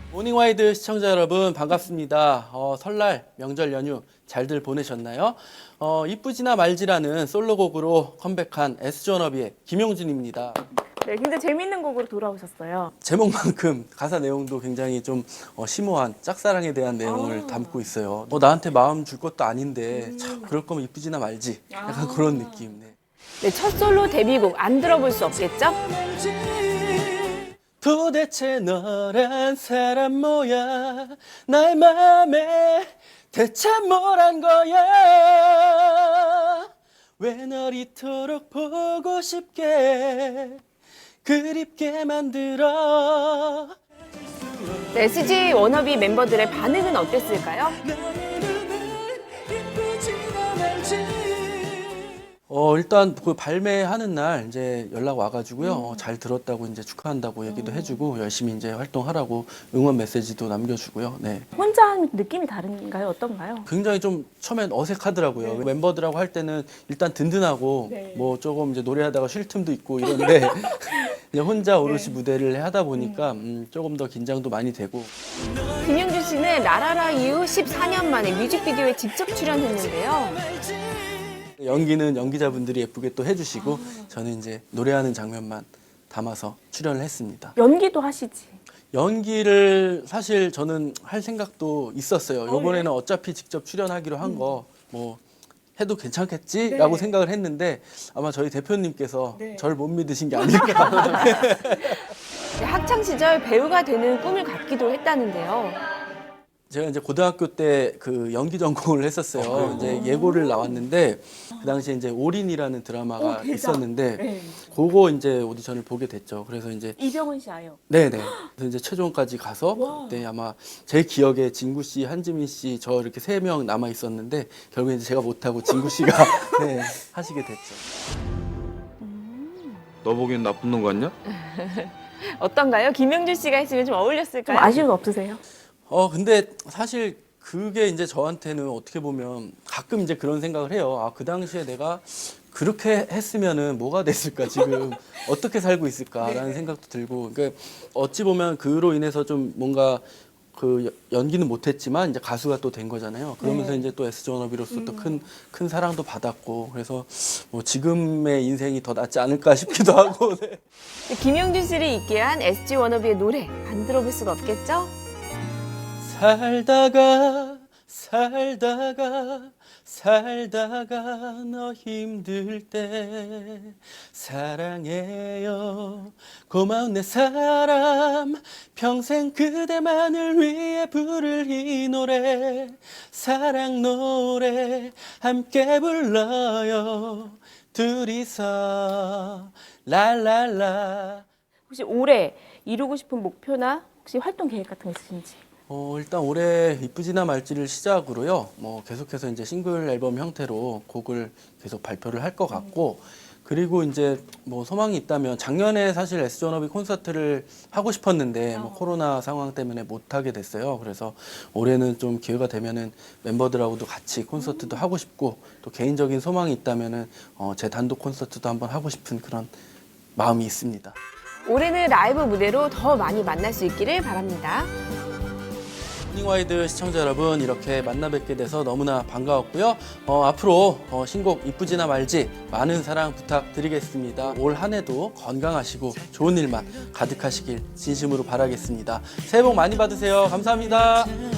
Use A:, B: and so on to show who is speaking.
A: 모닝와이드 시청자 여러분 반갑습니다. 설날 명절 연휴 잘들 보내셨나요? 이쁘지나 말지라는 솔로곡으로 컴백한 S존업이의 김용준입니다.
B: 네, 굉장히 재밌는 곡으로 돌아오셨어요.
A: 제목만큼 가사 내용도 굉장히 좀 심오한 짝사랑에 대한 내용을 담고 있어요. 나한테 마음 줄 것도 아닌데 참 그럴 거면 이쁘지나 말지 약간 그런 느낌. 네.
B: 네, 첫 솔로 데뷔곡 안 들어볼 수 없겠죠?
A: 도대체 너란 사람 뭐야 나의 맘에 대체 뭘 한 거야 왜 널 이토록 보고 싶게 그립게 만들어.
B: 네, SG 워너비 멤버들의 반응은 어땠을까요?
A: 일단 그 발매하는 날 이제 연락 와가지고요. 잘 들었다고 이제 축하한다고 얘기도 해주고 열심히 이제 활동하라고 응원 메시지도 남겨주고요. 네.
B: 혼자 하는 느낌이 다른가요? 어떤가요?
A: 굉장히 좀 처음엔 어색하더라고요.
B: 네.
A: 멤버들하고 할 때는 일단 든든하고
B: 네.
A: 뭐 조금 이제 노래하다가 쉴 틈도 있고 이런데 이제 혼자 오롯이 무대를 하다 보니까 조금 더 긴장도 많이 되고.
B: 김용준 씨는 라라라 이후 14년 만에 뮤직비디오에 직접 출연했는데요.
A: 연기는 연기자분들이 예쁘게 또 해주시고 저는 이제 노래하는 장면만 담아서 출연을 했습니다.
B: 연기도 하시지.
A: 연기를 사실 저는 할 생각도 있었어요. 이번에는 어차피 직접 출연하기로 한 거 뭐 해도 괜찮겠지라고 생각을 했는데 아마 저희 대표님께서 저를 못 믿으신 게 아닐까.
B: 네, 학창 시절 배우가 되는 꿈을 갖기도 했다는데요.
A: 제가 이제 고등학교 때 그 연기 전공을 했었어요. 이제 예고를 나왔는데 그 당시에 이제 올인이라는 드라마가 있었는데
B: 네.
A: 그거 이제 오디션을 보게 됐죠. 그래서 이제
B: 이병헌 씨 아요.
A: 네네. 그래서 이제 최종까지 가서 그때 아마 제 기억에 진구 씨, 한지민 씨, 저 이렇게 3명 남아 있었는데 결국에 이제 제가 못하고 진구 씨가 네, 하시게 됐죠.
C: 너 보기엔 나쁜 놈 같냐?
B: 어떤가요? 김용준 씨가 했으면 좀 어울렸을까요? 좀 아쉬움 없으세요?
A: 근데 사실 그게 이제 저한테는 어떻게 보면 가끔 이제 그런 생각을 해요. 아, 그 당시에 내가 그렇게 했으면은 뭐가 됐을까? 지금 어떻게 살고 있을까라는 생각도 들고. 그러니까 어찌 보면 그로 인해서 좀 뭔가 그 연기는 못했지만 이제 가수가 또 된 거잖아요. 그러면서 이제 또 S존업이로서 또 큰 사랑도 받았고 그래서 뭐 지금의 인생이 더 낫지 않을까 싶기도 하고. 네.
B: 김용준 씨를 있게 한 SG 워너비의 노래 안 들어볼 수가 없겠죠?
A: 살다가 너 힘들 때 사랑해요 고마운 내 사람 평생 그대만을 위해 부를 이 노래 사랑 노래 함께 불러요 둘이서 랄랄라.
B: 혹시 올해 이루고 싶은 목표나 혹시 활동 계획 같은 거 있으신지?
A: 일단 올해 이쁘지나 말지를 시작으로요. 뭐 계속해서 이제 싱글 앨범 형태로 곡을 계속 발표를 할 것 같고, 그리고 이제 뭐 소망이 있다면 작년에 사실 S존업이 콘서트를 하고 싶었는데 뭐 코로나 상황 때문에 못 하게 됐어요. 그래서 올해는 좀 기회가 되면은 멤버들하고도 같이 콘서트도 하고 싶고 또 개인적인 소망이 있다면은 제 단독 콘서트도 한번 하고 싶은 그런 마음이 있습니다.
B: 올해는 라이브 무대로 더 많이 만날 수 있기를 바랍니다.
A: 모닝와이드 시청자 여러분 이렇게 만나 뵙게 돼서 너무나 반가웠고요. 앞으로 신곡 이쁘지나 말지 많은 사랑 부탁드리겠습니다. 올 한 해도 건강하시고 좋은 일만 가득하시길 진심으로 바라겠습니다. 새해 복 많이 받으세요. 감사합니다.